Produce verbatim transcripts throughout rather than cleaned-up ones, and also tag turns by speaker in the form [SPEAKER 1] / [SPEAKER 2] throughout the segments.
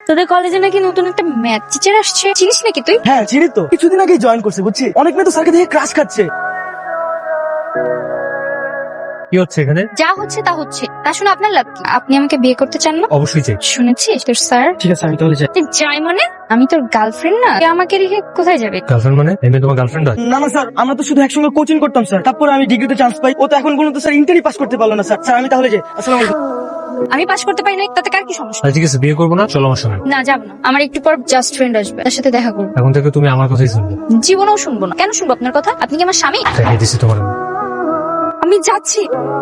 [SPEAKER 1] তোদের কলেজে নাকি নতুন একটা ম্যাথ টিচার আসছে, চিনিস নাকি তুই?
[SPEAKER 2] হ্যাঁ চিনি তো, কিছুদিন আগেই জয়েন করছে বুঝছি। অনেক মেয়ে তো স্যারকে দেখে ক্রাশ খাচ্ছে।
[SPEAKER 3] কি হচ্ছে এখানে?
[SPEAKER 1] যা হচ্ছে তা হচ্ছে, তা শুনে আপনার লাভ কি? আপনি আমাকে বিয়ে করতে চান না?
[SPEAKER 3] অবশ্যই চাই।
[SPEAKER 1] শুনেছিস তোর স্যার?
[SPEAKER 2] ঠিক আছে আমি তাহলে যাই।
[SPEAKER 1] তুই যাই মানে? আমি তোর গার্লফ্রেন্ড না, তুই আমাকে রেখে কোথায় যাবে?
[SPEAKER 3] গার্লফ্রেন্ড মানে এমনি তোমার গার্লফ্রেন্ড হয়?
[SPEAKER 2] না না স্যার, আমরা তো শুধু একসঙ্গে কোচিং করতাম স্যার, তারপরে আমি ডিগ্রিতে চান্স পাই। ও তো এখন পর্যন্ত স্যার ইন্টারই পাস করতে পারলো না স্যার। স্যার আমি তাহলে যাই, আসসালামু আলাইকুম।
[SPEAKER 1] আমি পাস করতে পারি না, তাতে কার কি সমস্যা?
[SPEAKER 3] আচ্ছা ঠিক আছে, বিয়ে করবো না, চলো আমার সঙ্গে।
[SPEAKER 1] না যাবো না, আমার একটু পর জাস্ট ফ্রেন্ড আসবে, তার সাথে দেখা করবো।
[SPEAKER 3] এখন থেকে তুমি আমার কথাই শুনবে।
[SPEAKER 1] জীবনেও শুনবো না। কেন শুনবো আপনার কথা? আপনি কি আমার স্বামী?
[SPEAKER 3] দেখিয়ে দিচ্ছি তোমার আমি।
[SPEAKER 1] আমি যাচ্ছি।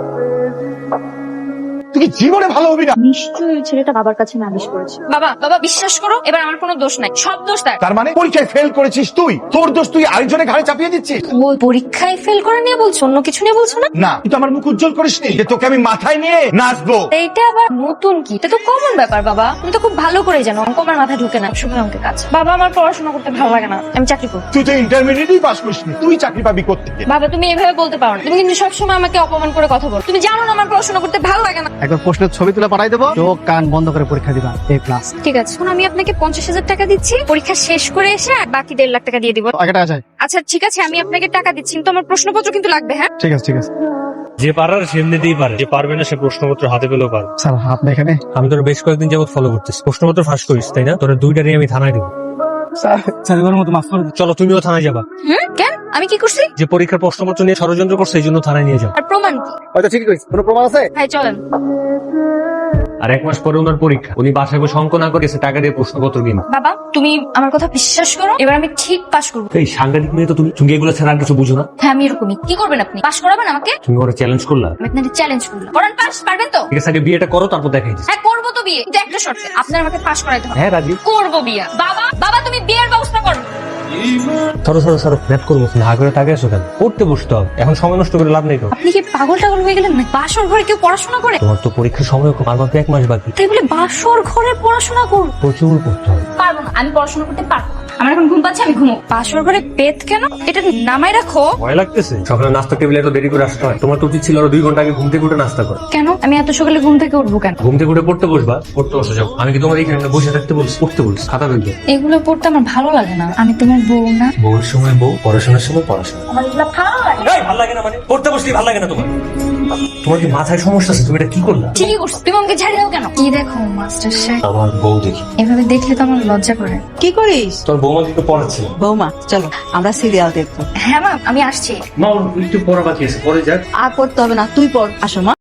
[SPEAKER 4] তুই জীবনে ভালো হবি না।
[SPEAKER 1] নিশ্চয়ই ছেলেটা বাবার কাছে নালিশ করেছে। বাবা বাবা বিশ্বাস করো, এবার আমার কোনো দোষ নাই, সব দোষ তার।
[SPEAKER 4] তার মানে পরীক্ষায় ফেল করেছিস তুই, তোর দোষ তুই আরেকজনের ঘাড়ে চাপিয়ে দিচ্ছিস।
[SPEAKER 1] ও পরীক্ষায় ফেল করে নিয়ে বলছো, অন্য কিছু নিয়ে বলছো না?
[SPEAKER 4] না তুই তো আমার মুখ উজ্জ্বল করিসনি যে তোকে আমি মাথায় নিয়ে নাচবো।
[SPEAKER 1] এইটা আবার নতুন কি? এটা তো কমন ব্যাপার বাবা, তুমি তো খুব ভালো করে জানো অঙ্ক আমার মাথায় ঢুকে না, শুভ অঙ্কের কাজ। বাবা আমার পড়াশোনা করতে ভালো লাগে না, আমি চাকরি করব।
[SPEAKER 4] তুই তো ইন্টারমিডিয়েটই পাস করিসনি, তুই চাকরি পাবি কোত্থেকে?
[SPEAKER 1] বাবা তুমি এভাবে বলতে পারো না, তুমি কিন্তু সবসময় আমাকে অপমান করে কথা বলো। তুমি জানো না আমার পড়াশোনা করতে ভালো লাগে না।
[SPEAKER 5] একবার প্রশ্নের ছবি তুলে পাঠাই দেবো, চোখ কান বন্ধ করে পরীক্ষা দিবা, এ প্লাস।
[SPEAKER 1] ঠিক আছে, এখন আমি আপনাকে পঞ্চাশ হাজার টাকা দিচ্ছি, পরীক্ষা শেষ করে এসে আর বাকি দেড় লাখ টাকা দিয়ে দিব।
[SPEAKER 5] আগে টাকা চাই।
[SPEAKER 1] আচ্ছা ঠিক আছে, আমি আপনাকে টাকা দিচ্ছি, কিন্তু আমার প্রশ্নপত্র কিন্তু লাগবে। হ্যাঁ
[SPEAKER 5] ঠিক আছে ঠিক আছে
[SPEAKER 3] যে পারার সে এমনিতেই পারে, যে পারবে না সে প্রশ্নপত্র হাতে পেলেও পারে।
[SPEAKER 5] স্যার আপনি এখানে?
[SPEAKER 3] আমি তোর বেশ কয়েকদিন যাবত ফলো করতেছি, প্রশ্নপত্র ফাঁস করিস তাই না? তোর দুইটারই আমি থানায় দেবো।
[SPEAKER 5] স্যার স্যার এবার মতো মাফ করে দিন।
[SPEAKER 3] চলো তুমিও থানায় যাবা।
[SPEAKER 1] হুম কেন? আমি কি করছি?
[SPEAKER 3] যে পরীক্ষার প্রশ্নপত্র নিয়ে ষড়যন্ত্র করছে এই জন্য থানায় নিয়ে যাও।
[SPEAKER 1] আর প্রমাণ কি?
[SPEAKER 5] হয়তো ঠিকই কইছি, কোনো প্রমাণ আছে?
[SPEAKER 1] হ্যাঁ চলেন।
[SPEAKER 3] আর এক মাস পরে ওনার পরীক্ষা, উনি বাসায় বসে অঙ্ক না করে এসে টাকা দিয়ে প্রশ্নপত্র কিনা।
[SPEAKER 1] বাবা তুমি আমার কথা বিশ্বাস করো, এবার আমি ঠিক পাশ করবো।
[SPEAKER 3] এই সাংঘাতিক মেয়ে তো তুমি, তুমি এগুলো ছাড়া আর কিছু বুঝো না।
[SPEAKER 1] হ্যাঁ আমি এরকমই। কি করবেন আপনি? পাশ করাবেন আমাকে?
[SPEAKER 3] তুমি ওরা চ্যালেঞ্জ করলা।
[SPEAKER 1] আমি আপনাকে চ্যালেঞ্জ করলাম, করান পাশ, পারবেন তো?
[SPEAKER 3] ঠিক আছে, আগে বিয়েটা করো তারপর দেখাই দিচ্ছি।
[SPEAKER 1] হ্যাঁ করবো তো বিয়ে, কিন্তু একটা শর্তে, আপনার আমাকে পাশ করাইতে হবে।
[SPEAKER 3] হ্যাঁ রাজি।
[SPEAKER 1] করবো বিয়ে। বাবা বাবা তুমি বিয়ের ব্যবস্থা করো।
[SPEAKER 3] সরো সরো সরো, ম্যাথ করবো না করে টাকা এসো কেন? পড়তে বসতে হবে, এখন সময় নষ্ট করে লাভ নেই তো।
[SPEAKER 1] আপনি কি পাগল টাগল হয়ে গেলেন না? বাসর ঘরে কেউ পড়াশোনা করে?
[SPEAKER 3] তোমার তো পরীক্ষার সময় আর মাত্র এক মাস বাকি,
[SPEAKER 1] তাই বলে বাসর ঘরে পড়াশোনা করবো?
[SPEAKER 3] প্রচুর করতে হবে।
[SPEAKER 1] পারবো না, আমি পড়াশোনা করতে পারবো না। আমার এখন ঘুম পাচ্ছে, আমি ঘুমো। বাসর ঘরে পেট কেন? এটা নামাই রাখো।
[SPEAKER 3] ভয় লাগতেছে? সকালে নাস্তা টেবিলে এত দেরি করে আসতে হয়? তোমার তো উচিত ছিল আরো দুই ঘন্টা আগে ঘুম থেকে উঠে নাস্তা করো।
[SPEAKER 1] কেন? আমি এত সকালে ঘুম থেকে উঠবো কেন?
[SPEAKER 3] ঘুম থেকে উঠে পড়তে বসবা, পড়তে বসে যাও। আমি কি তোমার এখানে বসে থাকতে বলছি? পড়তে বলছি, খাতা দেখবে।
[SPEAKER 1] এগুলো পড়তে আমার ভালো লাগে না, আমি তোমার বউ না।
[SPEAKER 3] বউর সময় বউ, পড়াশোনার সময় পড়াশোনা।
[SPEAKER 1] আমার এগুলো ভালো লাগে না।
[SPEAKER 3] এই ভালো লাগে না মানে? পড়তে বসলি ভালো লাগে না তোমার? তোমার কি মাথায় সমস্যা আছে? তুমি এটা কি করলা?
[SPEAKER 1] ঠিকই করছো, তুমি আমাকে ঝাড়ি দাও কেন? কি দেখো মাস্টার সাহেব,
[SPEAKER 3] আমার বউ দেখি।
[SPEAKER 1] এভাবে দেখলে তো আমার লজ্জা করে।
[SPEAKER 6] কি করিস?
[SPEAKER 3] তোর বৌমাকে একটু পড়াচ্ছিল।
[SPEAKER 6] বৌমা চলো আমরা সিরিয়াল দেখবো।
[SPEAKER 1] হ্যাঁ মা আমি আসছি।
[SPEAKER 3] মা ওর একটু পড়া বাকি আছে, পরে যাক।
[SPEAKER 6] আর পড়তে হবে না, তুই পড়। আসো মা।